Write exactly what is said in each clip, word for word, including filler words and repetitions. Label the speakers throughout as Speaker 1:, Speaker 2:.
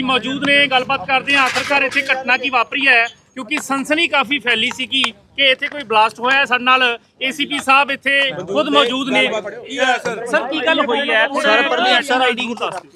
Speaker 1: मौजूद ने गलबात करते हैं आखिरकार इतने घटना की वापरी है क्योंकि सनसनी काफ़ी फैली सी कि इतने कोई ब्लास्ट होया है। साडे नाल ए सी पी साहब इतने खुद मौजूद ने। सर की गल हुई है सर आईडी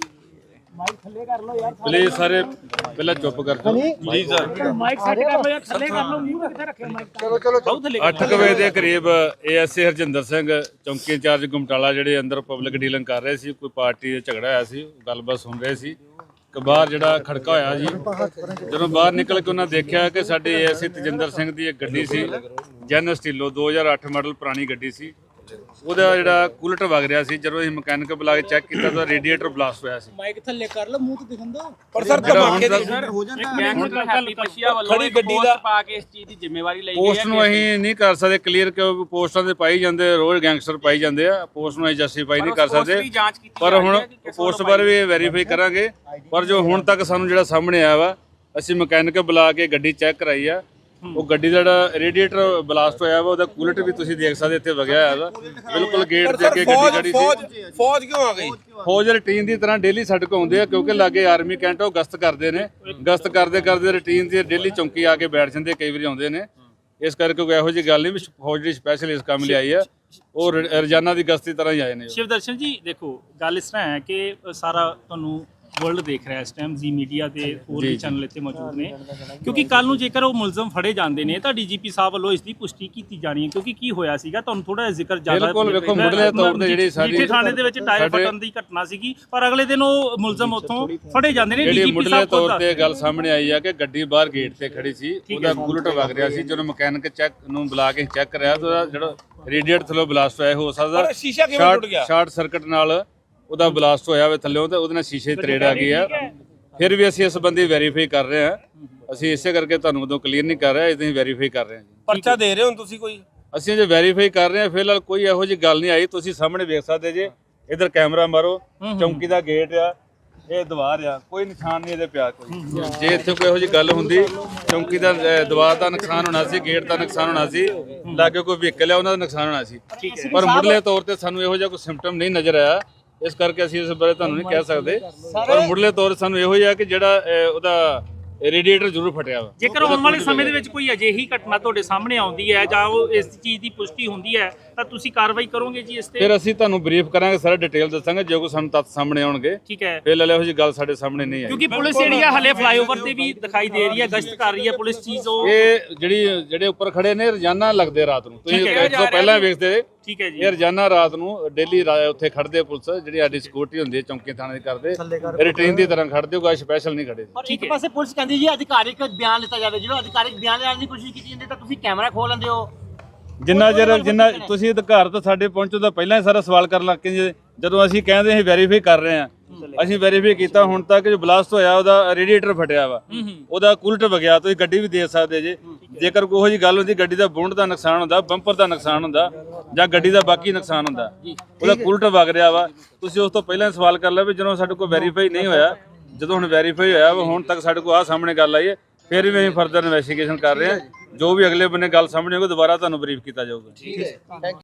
Speaker 2: प्लीज सारे पहले चुप कर दो जी सर।
Speaker 1: माइक सेट कर लो यार, थल्ले कर लो, मूंह किथे रखे माइक। चलो चलो बहुत थल्ले।
Speaker 2: ਅੱਠ ਕੁ ਵਜੇ ਦੇ ਕਰੀਬ ਏਐਸਏ ਹਰਜਿੰਦਰ ਸਿੰਘ ਚੌਂਕੀ ਇੰਚਾਰਜ ਗੁਮਟਾਲਾ ਜਿਹੜੇ ਅੰਦਰ ਪਬਲਿਕ ਡੀਲਿੰਗ ਕਰ ਰਹੇ ਸੀ, ਕੋਈ ਪਾਰਟੀ ਦਾ ਝਗੜਾ ਹੋਇਆ ਸੀ, ਗੱਲਬਾਤ ਸੁਣ ਰਹੇ ਸੀ ਕਿ ਬਾਹਰ ਜਿਹੜਾ ਖੜਕਾ ਹੋਇਆ ਜੀ। ਜਦੋਂ ਬਾਹਰ ਨਿਕਲ ਕੇ ਉਹਨਾਂ ਦੇਖਿਆ ਕਿ ਸਾਡੇ ਏਐਸਏ ਤਜਿੰਦਰ ਸਿੰਘ ਦੀ ਇੱਕ ਗੱਡੀ ਸੀ, ਜੈਨ ਸਟੀਲੋ ਦੋ ਹਜ਼ਾਰ ਅੱਠ ਮਾਡਲ ਪੁਰਾਣੀ ਗੱਡੀ ਸੀ, ਉਹਦਾ ਜਿਹੜਾ ਕੂਲਟ ਵਗ ਰਿਹਾ ਸੀ। ਜਦੋਂ ਅਸੀਂ ਮਕੈਨਿਕ ਬੁਲਾ ਕੇ ਚੈੱਕ ਕੀਤਾ ਤਾਂ ਰੇਡੀਏਟਰ ਬਲਾਸਟ ਹੋਇਆ ਸੀ।
Speaker 3: ਮਾਈਕ ਥੱਲੇ ਕਰ ਲਓ, ਮੂੰਹ ਤੇ ਦਿਖਣ ਦੋ।
Speaker 4: ਪਰ ਸਰ ਧਮਾਕੇ ਦੀ
Speaker 3: ਸਰ ਹੋ ਜਾਂਦਾ
Speaker 1: ਹੈਪੀ ਪਸ਼ੀਆ ਵੱਲੋਂ
Speaker 4: ਖੜੀ ਗੱਡੀ ਦਾ
Speaker 1: ਪਾ ਕੇ ਇਸ ਚੀਜ਼ ਦੀ ਜ਼ਿੰਮੇਵਾਰੀ ਲਈ ਗਈ ਹੈ।
Speaker 2: ਪੋਸਟ ਨੂੰ ਅਸੀਂ ਨਹੀਂ ਕਰ ਸਕਦੇ ਕਲੀਅਰ, ਕਿਉਂਕਿ ਪੋਸਟਾਂ ਦੇ ਪਾਈ ਜਾਂਦੇ ਰੋਜ਼ ਗੈਂਗਸਟਰ ਪਾਈ ਜਾਂਦੇ ਆ, ਪੋਸਟ ਨੂੰ ਅਸੀਂ ਜਸਟੀਫਾਈ ਨਹੀਂ ਕਰ ਸਕਦੇ। ਪਰ ਹੁਣ ਪੋਸਟ ਬਾਰੇ ਵੀ ਵੈਰੀਫਾਈ ਕਰਾਂਗੇ। ਪਰ ਜੋ ਹੁਣ ਤੱਕ ਸਾਨੂੰ ਜਿਹੜਾ ਸਾਹਮਣੇ ਆਇਆ ਵਾ, ਅਸੀਂ ਮਕੈਨਿਕ ਬੁਲਾ ਕੇ ਗੱਡੀ ਚੈੱਕ ਕਰਾਈ ਆ, ਉਹ ਗੱਡੀ ਦਾ ਜਿਹੜਾ ਰੇਡੀਏਟਰ ਬਲਾਸਟ ਹੋਇਆ ਵਾ ਉਹਦਾ ਕੂਲਟ ਵੀ ਤੁਸੀਂ ਦੇਖ ਸਕਦੇ ਇੱਥੇ ਵਗਿਆ ਹੋਇਆ ਵਾ ਬਿਲਕੁਲ ਗੇਟ ਦੇ ਅੱਗੇ ਗੱਡੀ ਖੜੀ ਸੀ।
Speaker 4: ਫੌਜ ਕਿਉਂ ਆ ਗਈ?
Speaker 2: ਫੌਜ ਰੂਟੀਨ ਦੀ ਤਰ੍ਹਾਂ ਡੇਲੀ ਸਾਡੇ ਕੋਲ ਆਉਂਦੇ ਆ, ਕਿਉਂਕਿ ਲਾਗੇ ਆਰਮੀ ਕੈਂਟ ਉਹ ਗਸ਼ਤ ਕਰਦੇ ਨੇ। ਗਸ਼ਤ ਕਰਦੇ ਕਰਦੇ ਰੂਟੀਨ ਦੀ ਡੇਲੀ ਚੌਂਕੀ ਆ ਕੇ ਬੈਠ ਜਾਂਦੇ, ਕਈ ਵਾਰੀ ਆਉਂਦੇ ਨੇ। ਇਸ ਕਰਕੇ ਕੋਈ ਇਹੋ ਜਿਹੀ ਗੱਲ ਨਹੀਂ ਵੀ ਫੌਜ ਦੀ ਸਪੈਸ਼ਲ ਇਸ ਕੰਮ ਲਈ ਆਈ ਆ, ਉਹ ਰੋਜ਼ਾਨਾ ਦੀ ਗਸ਼ਤ ਦੀ ਤਰ੍ਹਾਂ ਹੀ ਆਏ ਨੇ।
Speaker 1: शिवदर्शन जी देखो गल इस तरह है कि सारा तुहानू वर्ल्ड देख रहा है इस टाइम, जी मीडिया ਤੇ ਹੋਰ ਵੀ ਚੈਨਲ ਇੱਥੇ ਮੌਜੂਦ ਨੇ, ਕਿਉਂਕਿ ਕੱਲ ਨੂੰ ਜੇਕਰ ਉਹ ਮੁਲਜ਼ਮ ਫੜੇ ਜਾਂਦੇ ਨੇ ਤਾਂ ਡੀਜੀਪੀ ਸਾਹਿਬ ਵੱਲੋਂ ਇਸ ਦੀ ਪੁਸ਼ਟੀ ਕੀਤੀ ਜਾਣੀ ਹੈ। ਕਿਉਂਕਿ ਕੀ ਹੋਇਆ ਸੀਗਾ ਤੁਹਾਨੂੰ ਥੋੜਾ ਜਿਹਾ ਜ਼ਿਕਰ ਜ਼ਿਆਦਾ
Speaker 2: ਬਿਲਕੁਲ ਵੇਖੋ ਮੁੱਢਲੇ ਤੌਰ ਤੇ ਜਿਹੜੀ ਸਾਡੀ
Speaker 1: ਥਾਣੇ ਦੇ ਵਿੱਚ ਟਾਇਰ ਫਟਣ ਦੀ ਘਟਨਾ ਸੀਗੀ, ਪਰ ਅਗਲੇ ਦਿਨ ਉਹ ਮੁਲਜ਼ਮ ਉੱਥੋਂ ਫੜੇ ਜਾਂਦੇ ਨੇ।
Speaker 2: ਜਿਹੜੀ ਮੁੱਢਲੇ ਤੌਰ ਤੇ ਗੱਲ ਸਾਹਮਣੇ ਆਈ ਆ ਕਿ ਗੱਡੀ ਬਾਹਰ ਗੇਟ ਤੇ ਖੜੀ ਸੀ, ਉਹਦਾ ਕੂਲਟ ਵਗ ਰਿਹਾ ਸੀ। ਜਦੋਂ ਮਕੈਨਿਕ ਚੈੱਕ ਨੂੰ ਬੁਲਾ ਕੇ ਚੈੱਕ ਕਰਿਆ ਤਾਂ ਜਿਹੜਾ ਰੇਡੀਏਟਰ ਥੱਲੋਂ ਬਲਾਸਟ ਹੋਇਆ ਹੋ ਸਕਦਾ
Speaker 4: ਸ਼ੀਸ਼ਾ ਕਿਵੇਂ ਟੁੱਟ ਗਿਆ,
Speaker 2: ਸ਼ਾਰਟ ਸਰਕਟ ਨਾਲ ਉਹਦਾ ਬਲਾਸਟ ਹੋਇਆ ਹੋਵੇ ਥੱਲੇ, ਤੇ ਉਹਦੇ ਨਾਲ ਸ਼ੀਸ਼ੇ ਦੀ ਤਰੇੜ ਆ ਗਈ ਆ। ਫਿਰ ਵੀ ਅਸੀਂ ਇਸ ਸੰਬੰਧੀ ਵੈਰੀਫਾਈ ਕਰ ਰਹੇ ਹਾਂ। ਅਸੀਂ ਇਸੇ ਕਰਕੇ ਤੁਹਾਨੂੰ ਉਦੋਂ ਕਲੀਅਰ ਨਹੀਂ ਕਰ ਰਹੇ, ਅਸੀਂ ਵੈਰੀਫਾਈ ਕਰ ਰਹੇ ਹਾਂ।
Speaker 4: ਪਰਚਾ ਦੇ ਰਹੇ ਹੋ ਤੁਸੀਂ ਕੋਈ?
Speaker 2: ਅਸੀਂ ਜੇ ਵੈਰੀਫਾਈ ਕਰ ਰਹੇ ਹਾਂ, ਫਿਲਹਾਲ ਕੋਈ ਇਹੋ ਜਿਹੀ ਗੱਲ ਨਹੀਂ ਆਈ। ਤੁਸੀਂ ਸਾਹਮਣੇ ਵੇਖ ਸਕਦੇ ਜੇ, ਇਧਰ ਕੈਮਰਾ ਮਾਰੋ, ਚੌਂਕੀ ਦਾ ਗੇਟ ਆ, ਇਹ ਦੀਵਾਰ ਆ, ਕੋਈ ਨਿਸ਼ਾਨ ਨਹੀਂ ਇਹਦੇ ਪਿਆ ਕੋਈ। ਜੇ ਇੱਥੇ ਕੋਈ ਇਹੋ ਜਿਹੀ ਗੱਲ ਹੁੰਦੀ, ਚੌਂਕੀ ਦਾ ਦੀਵਾਰ ਦਾ ਨੁਕਸਾਨ ਹੋਣਾ ਸੀ, ਗੇਟ ਦਾ ਨੁਕਸਾਨ ਹੋਣਾ ਸੀ, ਲਾਗੇ ਕੋਈ ਵਹੀਕਲ ਆ ਉਹਨਾਂ ਦਾ ਨੁਕਸਾਨ ਹੋਣਾ ਸੀ। ਪਰ ਮੁੱਢਲੇ ਤੌਰ ਤੇ ਸਾਨੂੰ ਇਹੋ ਜਿਹਾ ਕੋਈ ਸਿੰਪਟਮ ਨਹੀਂ ਨਜ਼ਰ ਆਇਆ, ਇਸ ਕਰਕੇ ਅਸੀਂ ਇਸ ਬਾਰੇ ਤੁਹਾਨੂੰ ਨਹੀਂ ਕਹਿ ਸਕਦੇ। ਪਰ ਮੁੱਢਲੇ ਤੌਰ ਤੇ ਸਾਨੂੰ ਇਹੋ ਹੀ ਆ ਕਿ ਜਿਹੜਾ ਉਹਦਾ ਰੇਡੀਏਟਰ ਜ਼ਰੂਰ ਫਟਿਆ ਵਾ।
Speaker 1: ਜੇਕਰ ਆਉਣ ਵਾਲੇ ਸਮੇਂ ਦੇ ਵਿੱਚ ਕੋਈ ਅਜਿਹੀ ਘਟਨਾ ਤੁਹਾਡੇ ਸਾਹਮਣੇ ਆਉਂਦੀ ਹੈ ਜਾਂ ਉਹ ਇਸ ਚੀਜ਼ ਦੀ ਪੁਸ਼ਟੀ ਹੁੰਦੀ ਹੈ ਤਾਂ ਤੁਸੀਂ ਕਾਰਵਾਈ ਕਰੋਗੇ ਜੀ ਇਸ ਤੇ?
Speaker 2: ਫਿਰ ਅਸੀਂ ਤੁਹਾਨੂੰ ਬਰੀਫ ਕਰਾਂਗੇ, ਸਾਰਾ ਡਿਟੇਲ ਦੱਸਾਂਗੇ ਜੇ ਕੋਈ ਸਾਨੂੰ ਤੱਥ ਸਾਹਮਣੇ ਆਉਣਗੇ।
Speaker 1: ਠੀਕ ਹੈ।
Speaker 2: ਫਿਲਹਾਲ ਇਹੋ ਜਿਹੀ ਗੱਲ ਸਾਡੇ ਸਾਹਮਣੇ ਨਹੀਂ ਆਈ,
Speaker 1: ਕਿਉਂਕਿ ਪੁਲਿਸ ਜਿਹੜੀ ਆ ਹਲੇ ਫਲਾਈਓਵਰ ਤੇ ਵੀ ਦਿਖਾਈ ਦੇ ਰਹੀ ਹੈ, ਗਸ਼ਤ ਕਰ ਰਹੀ ਹੈ ਪੁਲਿਸ ਚੀਜ਼। ਉਹ
Speaker 2: ਇਹ ਜਿਹੜੀ ਜਿਹੜੇ ਉੱਪਰ ਖੜੇ ਨੇ ਰੋਜ਼ਾਨਾ ਲੱਗਦੇ ਰਾਤ ਨੂੰ, ਤੁਸੀਂ ਇਸ ਤੋਂ ਪਹਿਲਾਂ ਵੇਖਦੇ।
Speaker 1: ਠੀਕ ਹੈ ਜੀ।
Speaker 2: ਇਹ ਰੋਜ਼ਾਨਾ ਰਾਤ ਨੂੰ ਡੇਲੀ ਉੱਥੇ ਖੜਦੇ ਪੁਲਿਸ, ਜਿਹੜੀ ਸਾਡੀ ਸਿਕਿਉਰਿਟੀ ਹੁੰਦੀ ਹੈ ਚੌਂਕੀ ਥਾਣੇ ਦੀ ਕਰਦੇ, ਰੂਟੀਨ ਦੀ ਤਰ੍ਹਾਂ ਖੜਦੇ ਹੋ, ਕੋਈ ਸਪੈਸ਼ਲ ਨਹੀਂ ਖੜੇ।
Speaker 3: ਇੱਕ ਪਾਸੇ ਪੁਲਿਸ ਕਹਿੰਦੀ ਜੀ ਅਧਿਕਾਰਿਕ ਬਿਆਨ ਲਿੱਤਾ ਜਾਵੇ, ਜਦੋਂ ਅਧਿਕਾਰਿਕ ਬਿਆਨ ਲੈਣ ਦੀ ਕੋਸ਼ਿਸ਼ ਕੀਤੀ ਜਾਂਦੀ ਤਾਂ ਤੁਸੀਂ ਕੈਮਰਾ ਖੋਲ ਲੈਂਦੇ ਹੋ।
Speaker 2: ਜਿੰਨਾ ਚਿਰ ਜਿੰਨਾ ਤੁਸੀਂ ਅਧਿਕਾਰ ਤੋਂ ਸਾਡੇ ਪਹੁੰਚੋ ਤਾਂ ਪਹਿਲਾਂ ਹੀ ਸਾਰਾ ਸਵਾਲ ਕਰਨ ਲੱਗ ਕੇ, ਜਦੋਂ ਅਸੀਂ ਕਹਿੰਦੇ ਅਸੀਂ ਵੈਰੀਫਾਈ ਕਰ ਰਹੇ ਹਾਂ, ਅਸੀਂ ਵੈਰੀਫਾਈ ਕੀਤਾ ਹੁਣ ਤੱਕ ਜੋ ਬਲਾਸਟ ਹੋਇਆ ਉਹਦਾ ਰੇਡੀਏਟਰ ਫਟਿਆ ਵਾ, ਉਹਦਾ ਕੂਲਟ ਵਗਿਆ। ਤੁਸੀਂ ਗੱਡੀ ਵੀ ਦੇ ਸਕਦੇ ਜੇ, ਜੇਕਰ ਕੋਈ ਜਿਹੀ ਗੱਲ ਹੁੰਦੀ, ਗੱਡੀ ਦਾ ਬੋਨਟ ਦਾ ਨੁਕਸਾਨ ਹੁੰਦਾ, ਬੰਪਰ ਦਾ ਨੁਕਸਾਨ ਹੁੰਦਾ, ਜਾਂ ਗੱਡੀ ਦਾ ਬਾਕੀ ਨੁਕਸਾਨ ਹੁੰਦਾ, ਉਹਦਾ ਕੂਲਟ ਵਗ ਰਿਹਾ ਵਾ, ਤੁਸੀਂ ਉਸ ਤੋਂ ਪਹਿਲਾਂ ਸਵਾਲ ਕਰ ਲਿਆ ਵੀ ਜਦੋਂ ਸਾਡੇ ਕੋਲ ਵੈਰੀਫਾਈ ਨਹੀਂ ਹੋਇਆ। ਜਦੋਂ ਹੁਣ ਵੈਰੀਫਾਈ ਹੋਇਆ ਵਾ, ਹੁਣ ਤੱਕ ਸਾਡੇ ਕੋਲ ਆਹ ਸਾਹਮਣੇ ਗੱਲ ਆਈ ਹੈ, ਫਿਰ ਵੀ ਅਸੀਂ ਫਰਦਰ ਇਨਵੈਸਟੀਗੇਸ਼ਨ ਕਰ ਰਹੇ ਹਾਂ। ਜੋ ਵੀ ਅਗਲੇ ਬੰਨੇ ਗੱਲ ਸਾਹਮਣੇ ਹੋਊਗੀ ਦੁਬਾਰਾ ਤੁਹਾਨੂੰ ਬਰੀਫ ਕੀਤਾ ਜਾਊਗਾ।